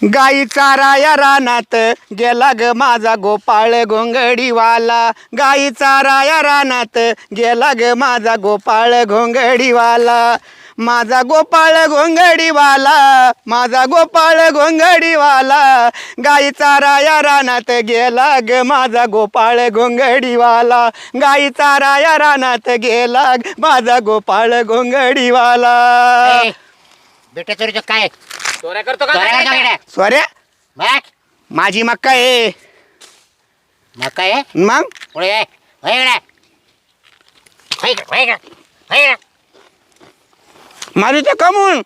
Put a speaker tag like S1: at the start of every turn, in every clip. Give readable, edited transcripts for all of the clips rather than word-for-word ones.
S1: गाई चाराया रानात गेला ग माझा गोपाळ घोंगडीवाला, गाई चाराया रानात गेला ग माझा गोपाळ घोंगडीवाला, माझा गोपाळ घोंगडीवाला, माझा गोपाळ घोंगडीवाला, गाई चाराया रानात गेला ग माझा गोपाळ घोंगडीवाला, गाई चाराया रानात गेला माझा गोपाळ घोंगडीवाला.
S2: बेटा चोरीचं काय
S3: चोऱ्या करतो का?
S1: सोऱ्या
S2: मग
S1: माझी मक्का आहे.
S2: काय
S1: मग
S2: पुढे ये. होय इकडे. होय इकडे, होय इकडे, होय इकडे.
S1: माझी ते कमून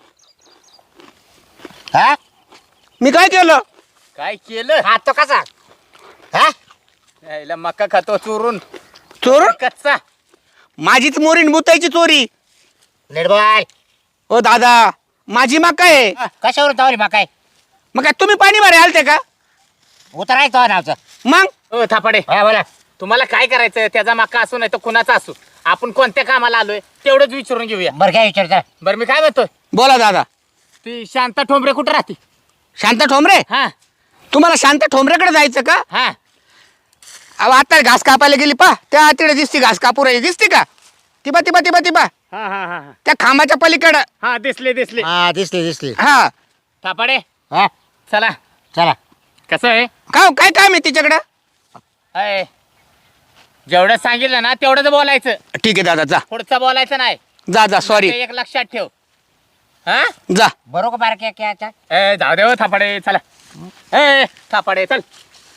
S2: हा
S1: मी काय केलं?
S3: काय केलं?
S2: खातो कसा हा
S3: यायला मका खातो चोरून
S1: चोरून
S3: कच्चा.
S1: माझीच मोरीन बुतायची चोरी.
S2: निर्बळ
S1: ओ दादा माझी मक्का आहे.
S2: कशावरून तावली मग काय
S1: मग काय तुम्ही पाणी भरायला आलते का?
S2: उतरायचं तो नावचं.
S1: मग
S3: ओ थापाडे,
S2: हा बोला.
S3: तुम्हाला काय करायचं? त्याचा मका असू नाही तर कुणाचा असू, आपण कोणत्या कामाला आलोय तेवढंच विचारून घेऊया.
S2: बरं काय विचारता
S3: बरं मी काय म्हणतोय,
S1: बोला दादा.
S3: ती शांता ठोंबरे कुठं राहते?
S1: शांत ठोंबरे,
S3: हा
S1: तुम्हाला शांत ठोंबरेकडे जायचं का?
S3: हा
S1: अहो आता घास कापायला गेली पा, त्या तिकडे दिसती घास कापू राहिली, दिसते का? तिबा तिबा तिबा तिबा
S3: हा हा हा
S1: त्या खांबाच्या पलीकडं.
S3: हा दिसले दिसले.
S2: हा दिसली
S1: हा
S3: थापाडे
S2: हा
S3: चला.
S2: चला
S3: कसं आहे?
S1: काय काम आहे तिच्याकडं?
S3: अय, जेवढं सांगितलं ना तेवढंच बोलायचं,
S1: ठीक आहे दादा, जा
S3: पुढचं बोलायचं नाही.
S1: जा जा सॉरी,
S3: ते एक लक्षात ठेव. हा
S1: जा.
S2: बरोबर बारक्या क्या
S3: ए जाऊ दे हो थापाडे, चला. ए थापाडे चल.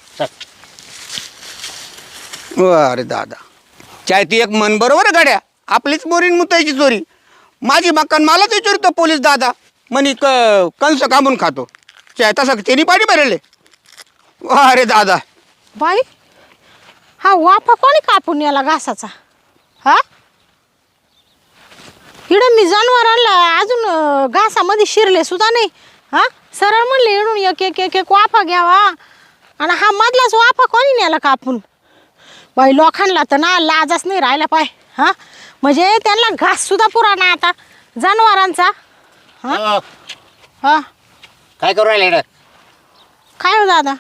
S1: अरे दादा, चाय ती एक मन बरोबर आहे गाड्या, आपलीच मोरीन मुतायची चोरी. माझी मक्कान मलाच विचारतो पोलीस दादा, म्हणी कंस कामून खातो. चाय तसं त्यांनी पाणी भरले. अरे दादा,
S4: बाई हा वाफा कोणी कापून याला घासाचा? हा इकडं मी जनावरांना अजून घासामध्ये शिरले सुद्धा नाही. हा सरळ म्हणले इडून एक एक एक एक वाफा घ्यावा, आणि हा मधलाच वाफा कोणी नेला कापून? बाई लोकांना तर ना लाजच नाही राहिला पाय. हा म्हणजे त्यांना घास सुद्धा पुराणा आता जनावरांचा.
S2: हो.
S4: हा
S2: काय करू राहिले इकडं?
S4: काय हो दादा?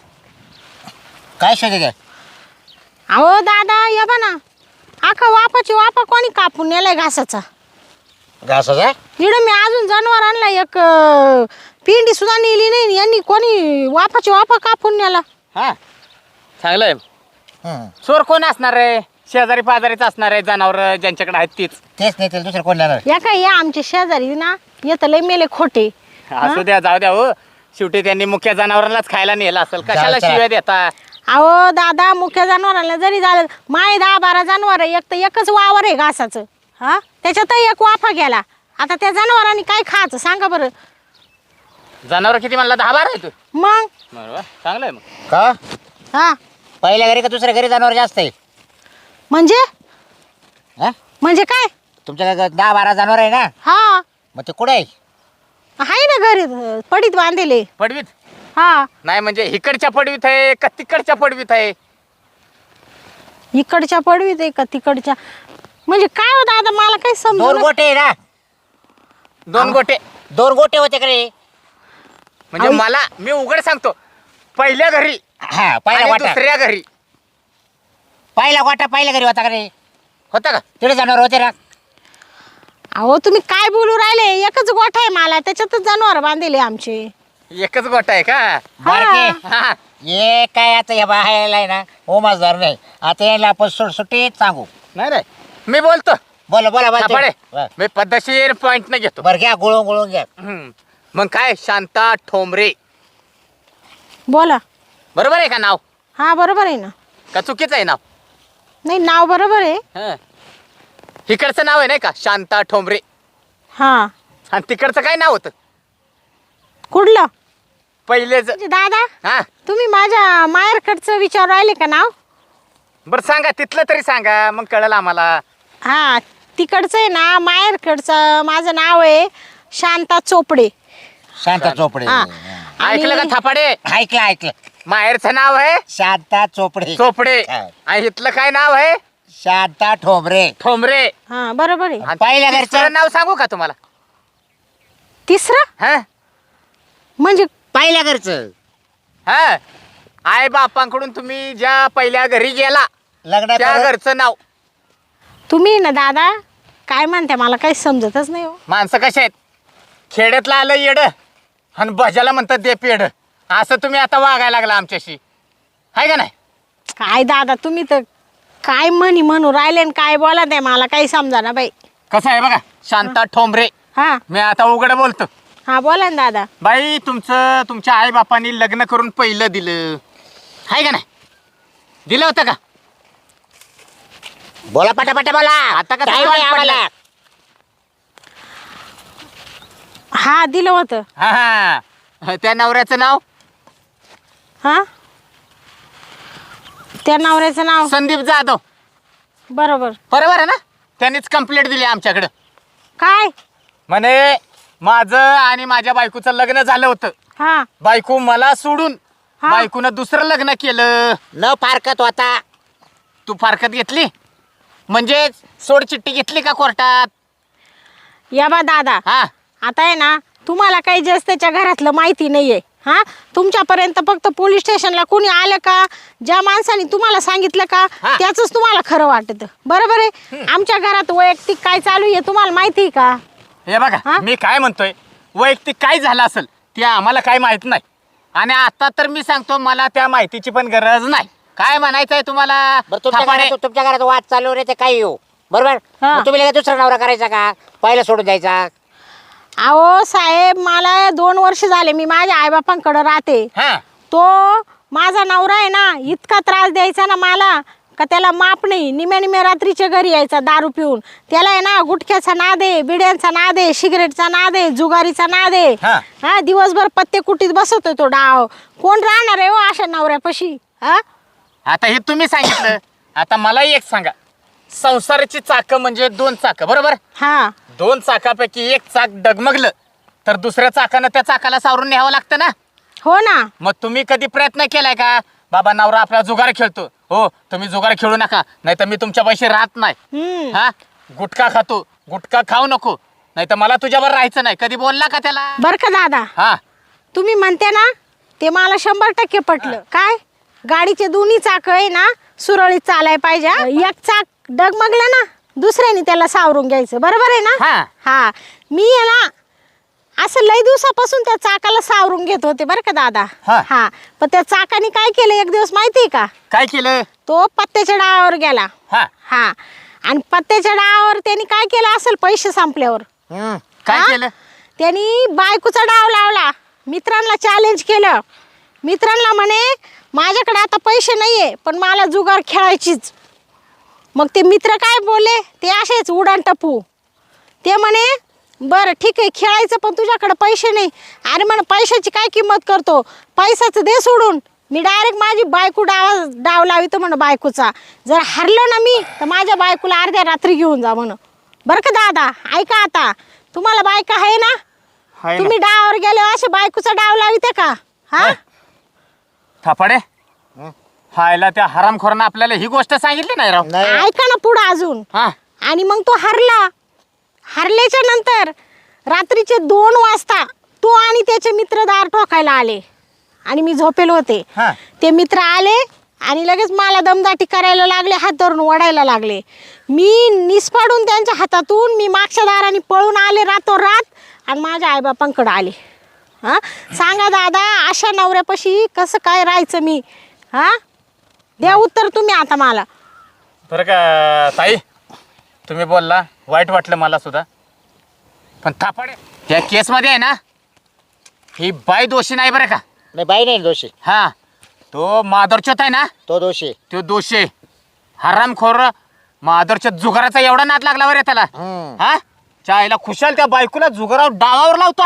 S2: काय शोधत आहे?
S4: अहो दादा या बा ना, आखा वाफाची वाफा कोणी कापून नेलाय घासाचा?
S2: घासाचा
S4: इकडं मी अजून जनावरांना एक पिंडी सुद्धा नेली नाही, यांनी कोणी वाफाची वाफा कापून नेला.
S3: हा चांगलंय.
S2: हं.
S3: चोर कोण असणार आहे? शेजारी पाजारीच असणार आहे, जनावर ज्यांच्याकडे आहेत तीच.
S2: तेच नाही तर दुसरं कोण नेणार?
S4: या काय या आमचे शेजारी ना येत लय मेले खोटे.
S3: असू द्या, जाऊ द्या हो. शेवटी त्यांनी मुख्य जनावरांनाच खायला नेलं असेल, कशाला
S2: चला.
S3: शिव्या देता?
S4: अहो दादा मुख्य जनावरांना जरी झालं, माय 10-12 जनावर एक तर एकच वावर आहे घासाचं. हा त्याच्यात एक वाफा गेला, आता त्या जनावरांनी काय खायचं सांगा बरं?
S3: जनावर किती म्हणला? 10-12 आहे तू.
S4: मग
S3: बरोबर, चांगलंय मग.
S2: का
S4: हा
S2: पहिल्या घरी का दुसऱ्या घरी जनावर जास्त आहे?
S4: म्हणजे
S2: हा
S4: म्हणजे काय?
S2: तुमच्या 10-12 जनावर आहे ना,
S4: हा
S2: मग ते कुठे आहे?
S4: आहे ना घरी पडीत बांधले.
S3: पडवीत
S4: हा
S3: नाही म्हणजे इकडच्या पडवीत आहे का तिकडच्या पडवीत आहे?
S4: इकडच्या पडवीत आहे का तिकडच्या? म्हणजे काय हो दादा मला काही
S2: 2
S4: समजून
S2: गोटे आहे ना?
S3: 2 गोटे
S2: 2 गोटे होते का रे?
S3: म्हणजे
S4: आई.
S3: मला, मी उघड सांगतो, पहिल्या घरी
S2: हा पहिला
S3: आणि
S2: गोटा,
S3: दुसऱ्या घरी
S2: पहिला गोटा पहिल्या घरी होता का रे?
S3: होता का?
S2: तिथे जनावर होते ना?
S4: अहो तुम्ही काय बोलू राहिले? एकच गोठा आहे मला, त्याच्यातच जनावर बांधले आमचे.
S3: एकच गोटा आहे का?
S2: बारके
S3: हा
S2: ये काय आता या बाहेर आहे ना हो माझदार नाही, आता यायला आपण सुटीत सांगू.
S3: नाही नाही, मी बोलतो.
S2: बोला बोला
S3: थापाडे,
S2: बोला.
S3: मी पद्धतशीर पॉइंट न घेतो.
S2: बरं घ्या, गुळून घ्या.
S3: मग काय, शांता ठोंबरे
S4: बोला.
S3: बरोबर आहे का नाव?
S4: हा बरोबर आहे ना.
S3: का चुकीचं आहे नाव?
S4: नाही नाव बरोबर आहे.
S3: हं. इकडचं नाव आहे नाही का, शांता ठोंबरे,
S4: हा
S3: आणि तिकडचं काय नाव होतं
S4: कुठलं?
S3: पहिलेच?
S4: म्हणजे दादा
S3: हा
S4: तुम्ही माझ्या माहेरकडचं विचार राहिले का नाव?
S3: बरं सांगा, तिथलं तरी सांगा, मग कळलं आम्हाला.
S4: हा तिकडचं आहे ना, माहेरकडचं माझं नाव आहे शांता चोपडे.
S2: शांता चोपडे.
S4: हा.
S3: ऐकलं का थापाडे?
S2: ऐकलं
S3: माहेरचं नाव आहे
S2: शांता चोपडे.
S3: चोपडे,
S2: हा.
S3: आणि इथलं काय नाव आहे?
S2: शांता ठोंबरे.
S3: ठोंबरे.
S4: हा बरोबर आहे.
S3: आणि
S2: पहिल्या घरचं
S3: तिसरं नाव सांगू का तुम्हाला?
S4: तिसरं
S3: हा
S4: म्हणजे
S2: पहिल्या घरचं
S3: हा आई बापांकडून तुम्ही ज्या पहिल्या घरी गेला
S2: लग्न
S3: त्या
S2: करून-
S3: घरचं नाव.
S4: तुम्ही ना दादा काय म्हणते मला काही समजतच नाही हो.
S3: माणसं कशी आहेत, खेड्यातलं आलं येड आणि भजाला म्हणतात दे पेड. असं तुम्ही आता वागायला लागला आमच्याशी, आहे का नाही?
S4: काय दादा तुम्ही तर काय म्हणू राहिले आणि काय बोला ते मला काही समजा ना बाई.
S3: कसं आहे बघा शांता ठोंबरे,
S4: हा
S3: मी आता उघड बोलतो.
S4: हा बोला ना दादा.
S3: बाई तुमच्या आई बापांनी लग्न करून पहिलं दिलं, आहे का नाही? दिलं होतं का?
S2: बोला पटापट बोला.
S3: आता कसं
S2: Time
S3: वाट
S2: आहे आम्हाला.
S3: पडलं?
S4: हा दिलं होतं.
S3: हा हा, त्या नवऱ्याचं नाव
S4: हा त्या नवऱ्याचं नाव
S3: संदीप जाधव.
S4: बरोबर.
S3: बरोबर आहे ना? त्यांनीच कंप्लेंट दिली आमच्याकडं.
S4: काय?
S3: म्हणे माझं आणि माझ्या बायकोचं लग्न झालं होतं,
S4: हा
S3: बायको मला सोडून
S4: हा.
S3: बायकोनं दुसरं लग्न केलं.
S2: न फारकत होता.
S3: तू फारकत घेतली म्हणजे सोड चिठ्ठी घेतली का कोर्टात?
S4: या बा दादा
S3: हा
S4: आता आहे ना तुम्हाला काही जास्त त्याच्या घरातलं माहिती नाहीये. हा तुमच्यापर्यंत फक्त पोलीस स्टेशनला कोणी आलं का, ज्या माणसाने तुम्हाला सांगितलं का
S3: हा.
S4: त्याच तुम्हाला खरं वाटतं. बरोबर आहे. आमच्या घरात वैयक्तिक काय चालू आहे तुम्हाला माहिती आहे का?
S3: हे बघा
S4: हा?
S3: मी काय म्हणतोय, वैयक्तिक काय झालं असेल ते आम्हाला काय माहित नाही. आणि आता तर मी सांगतो मला त्या माहितीची पण गरज नाही. काय म्हणायचंय तुम्हाला?
S2: बरं तुमच्या घरात वाद चालू रे ते काही येऊ बरोबर.
S4: हा.
S2: मग तुम्ही लगेच दुसरा नवरा करायचा का, पहिला सोडून द्यायचा?
S4: अहो साहेब मला 2 वर्ष झाले मी माझ्या आईबापांकडे राहते.
S3: हा
S4: तो माझा नवरा आहे ना इतका त्रास द्यायचा ना मला का त्याला माप नाही. निम्या रात्रीच्या घरी यायचा दारू पिऊन. त्याला आहे ना गुटख्याचा नाद आहे, बिड्यांचा नाद आहे, सिगरेटचा नाद आहे, जुगारीचा नाद आहे.
S3: हा.
S4: हा दिवसभर पत्ते कुटीत बसवतोय तो डाव. कोण राहणार आहे हो अशा नवऱ्यापाशी? हा
S3: आता हे तुम्ही सांगितलं. आता मला एक सांगा, संसाराची चाक म्हणजे 2 चाक बरोबर.
S4: हा
S3: 2 चाकापैकी एक चाक डगमगलं तर दुसऱ्या चाकानं त्या चाकाला सावरून न्यावं लागतं ना.
S4: हो ना.
S3: मग तुम्ही कधी प्रयत्न केलाय का, बाबा नवरा आपला जुगार खेळतो, हो तुम्ही जुगार खेळू नका नाही तर मी तुमच्या पैसे राहत नाही.
S4: हम्म
S3: हा गुटखा खातो, गुटखा खाऊ नको नाही तर मला तुझ्यावर राहायचं नाही. कधी बोलला का त्याला?
S4: बर का दादा
S3: हा
S4: तुम्ही म्हणते ना ते मला 100% पटलं. काय गाडीचे दोन्ही चाक आहे ना सुरळीत चालाय पाहिजे. हा? एक चाक डगमगलं ना दुसऱ्याने त्याला सावरून घ्यायचं. बरोबर आहे ना?
S3: हा.
S4: हा मी आहे ना असं लई दिवसापासून त्या चाकाला सावरून घेत होते बरं का दादा.
S3: हा.
S4: हा पण त्या चाकाने काय केलं एक दिवस माहितीये का?
S3: काय केलं?
S4: तो पत्त्याच्या डावावर गेला.
S3: हा
S4: हा आणि पत्त्याच्या डावावर त्यांनी काय केलं असेल पैसे संपल्यावर?
S3: काय
S4: हा?
S3: केलं?
S4: त्यांनी बायकोचा डाव लावला, मित्रांना चॅलेंज केलं. मित्रांना म्हणे माझ्याकडे आता पैसे नाहीये पण मला जुगार खेळायचीच. मग ते मित्र काय बोलले ते असेच उडान टपू. ते म्हणे बरं ठीक आहे खेळायचं पण तुझ्याकडे पैसे नाही. अरे म्हणे पैशाची काय किंमत करतो, पैशाचं दे सोडून. मी डायरेक्ट माझी बायको डाव लावितो म्हणे बायकोचा. जर हरलो ना मी तर माझ्या बायकोला अर्ध्या रात्री घेऊन जा म्हणे. बरं का दादा ऐका आता तुम्हाला बायका आहे ना,
S3: हाय ना.
S4: तुम्ही डावावर गेले असे बायकोचा डाव लाविते का? हा
S3: होय. थापाडे हायला त्या हरामखोरानं आपल्याला ही गोष्ट सांगितली नाही राव.
S2: नाही
S4: ऐका ना पुढं अजून.
S3: हा
S4: आणि मग तो हरला. हरल्याच्या नंतर रात्रीचे 2 वाजता तो आणि त्याचे मित्र दार ठोकायला आले आणि मी झोपेल होते.
S3: हा.
S4: ते मित्र आले आणि लगेच मला दमदाटी करायला लागले, हात धरून ओढायला लागले. मी निसपाडून त्यांच्या हातातून मी मागच्या दाराने पळून आले रातोरात आणि माझ्या आईबापांकडे आले. हां सांगा दादा अशा नवऱ्यापाशी कसं काय राहायचं मी? हां द्या उत्तर तुम्ही आता मला.
S3: बरं का ताई, तुम्ही बोलला वाईट वाटलं मला सुद्धा. पण थापाडे या केसमध्ये आहे ना ही बाई दोषी नाही बरं का.
S2: नाही बाई नाही दोषी,
S3: हा तो माधुरचोत आहे ना
S2: तो दोषी.
S3: तो दोषी आहे. हरामखोर माधुरच्या जुगाराचा एवढा नाद लागला बरं त्याला. हा चायला खुशाल त्या बायकोला जुगारावर डावावर लावतो.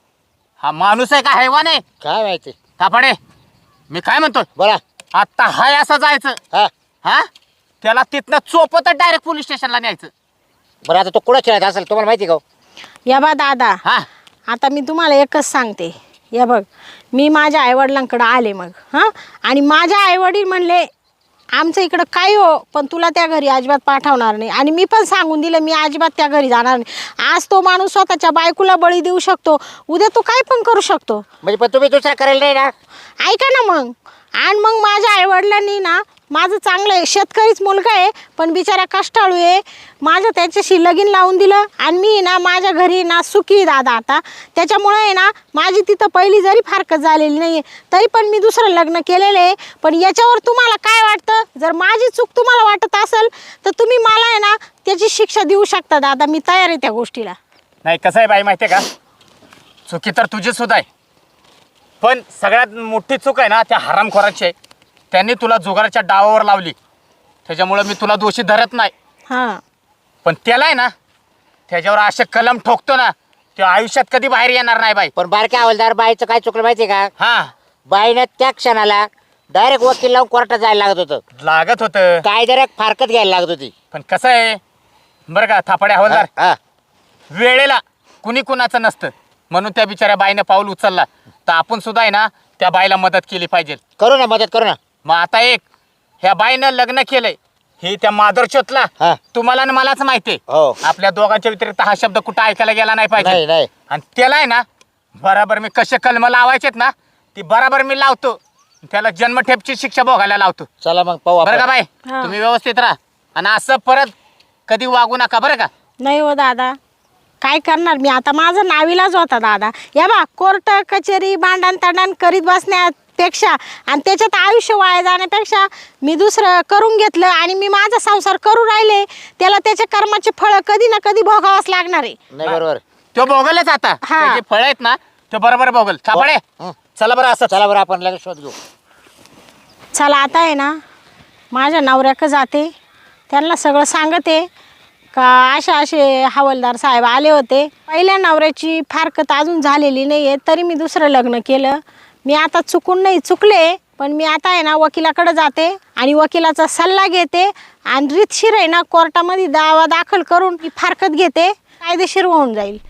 S3: हा माणूस आहे का हैवान आहे?
S2: काय माहिती.
S3: थापाडे मी काय म्हणतो,
S2: बोला.
S3: आता हाय असं जायचं.
S2: हा
S3: हा त्याला तिथनं चोपत डायरेक्ट पोलीस स्टेशनला न्यायचं.
S2: बरं आता तो कुठं खेळत असेल तुम्हाला माहिती का?
S4: या बा दादा
S3: हा
S4: आता मी तुम्हाला एकच सांगते. या बघ मी माझ्या आईवडिलांकडे आले मग हां आणि माझ्या आईवडील म्हणले आमचं इकडं काय हो, पण तुला त्या घरी अजिबात पाठवणार नाही. आणि मी पण सांगून दिलं, मी अजिबात त्या घरी जाणार नाही. आज तो माणूस स्वतःच्या बायकोला बळी देऊ शकतो, उद्या तो काय पण करू शकतो.
S2: म्हणजे पण तुम्ही दुसरा करेल नाही ना?
S4: ऐका ना मग. आणि मग माझ्या आईवडिलांनी ना, माझं चांगलं आहे, शेतकरीच मुलगा आहे, पण बिचारा कष्टाळू आहे, माझं त्याच्याशी लगीन लावून दिलं. आणि मी ना माझ्या घरी ना सुखी आहे दादा आता. त्याच्यामुळे आहे ना, माझी तिथं पहिली जरी फारकत झालेली नाही आहे, तरी पण मी दुसरं लग्न केलेलं आहे. पण याच्यावर तुम्हाला काय वाटतं? जर माझी चूक तुम्हाला वाटत असेल तर तुम्ही मला आहे ना त्याची शिक्षा देऊ शकता दादा. मी तयार आहे त्या गोष्टीला.
S3: नाही कसं आहे बाई माहिती आहे का, चुकी तर तुझी सुद्धा आहे, पण सगळ्यात मोठी चूक आहे ना त्या हरामखोराची आहे. त्यांनी तुला जुगाराच्या डावावर लावली, त्याच्यामुळं मी तुला दोषी धरत नाही.
S4: हां,
S3: पण त्याला आहे ना, त्याच्यावर असे कलम ठोकतो ना, ते आयुष्यात कधी बाहेर येणार नाही बाई.
S2: पण बारक्या हवालदार बाईचं काय चुकलं माहिती आहे का?
S3: हा,
S2: बाईनं त्या क्षणाला डायरेक्ट वकील लावून कोर्टात जायला लागत होतं.
S3: लागत होतं.
S2: कायद्याला फारकत घ्यायला लागत होती.
S3: पण कसं आहे बरं का थापाड्या हवालदार,
S2: हा.
S3: वेळेला कुणी कुणाचं नसतं, म्हणून त्या बिचाऱ्या बाईनं पाऊल उचलला. तर आपण सुद्धा आहे ना त्या बाईला मदत केली पाहिजे.
S2: करू ना, मदत करू ना.
S3: मग आता एक ह्या बाईनं लग्न केलंय, हे त्या माधुरचोतला
S2: हा.
S3: तुम्हाला आणि मलाच माहिती आहे.
S2: हो.
S3: आपल्या दोघांच्या व्यतिरिक्त हा शब्द कुठं ऐकायला गेला नाही
S2: नाही
S3: पाहिजे.
S2: नाही.
S3: आणि त्याला आहे ना बराबर मी कसे कलम लावायचेत ना, ती बराबर मी लावतो. त्याला जन्मठेपची शिक्षा भोगायला लावतो.
S2: चला मग पाहू
S3: बरं का
S2: आपण.
S3: बाई,
S4: हा.
S3: तुम्ही व्यवस्थित राहा आणि असं परत कधी वागू नका बरं का.
S4: नाही हो दादा, काय करणार मी आता. माझा नावीलाज होता दादा. या बा, कोर्ट कचेरी भांडण तांडण करीत बसण्यापेक्षा आणि त्याच्यात आयुष्य वाया जाण्यापेक्षा मी दुसरं करून घेतलं आणि मी माझा संसार करू राहिले. त्याला त्याच्या कर्माचे फळ कधी ना कधी भोगावंच लागणार आहे.
S2: नाही बरोबर.
S3: तो भोगलच आता.
S4: हा.
S3: त्याचे फळ आहेत ना ते बरोबर भोगल. थापाडे
S2: हं.
S3: चला बरं असं.
S2: चला बरं आपण लगेच शोध घेऊ.
S4: चला आता आहे ना, माझ्या नवऱ्याकडे जाते, त्यांना सगळं सांगते का असे हवालदार साहेब आले होते. पहिल्या नवऱ्याची फारकत अजून झालेली नाही आहे, तरी मी दुसरं लग्न केलं. मी आता चुकून नाही, चुकले, पण मी आता आहे ना वकिलाकडे जाते आणि वकिलाचा सल्ला घेते आणि रीतशीर आहे ना कोर्टामध्ये दावा दाखल करून मी फारकत घेते, कायदेशीर होऊन जाईल.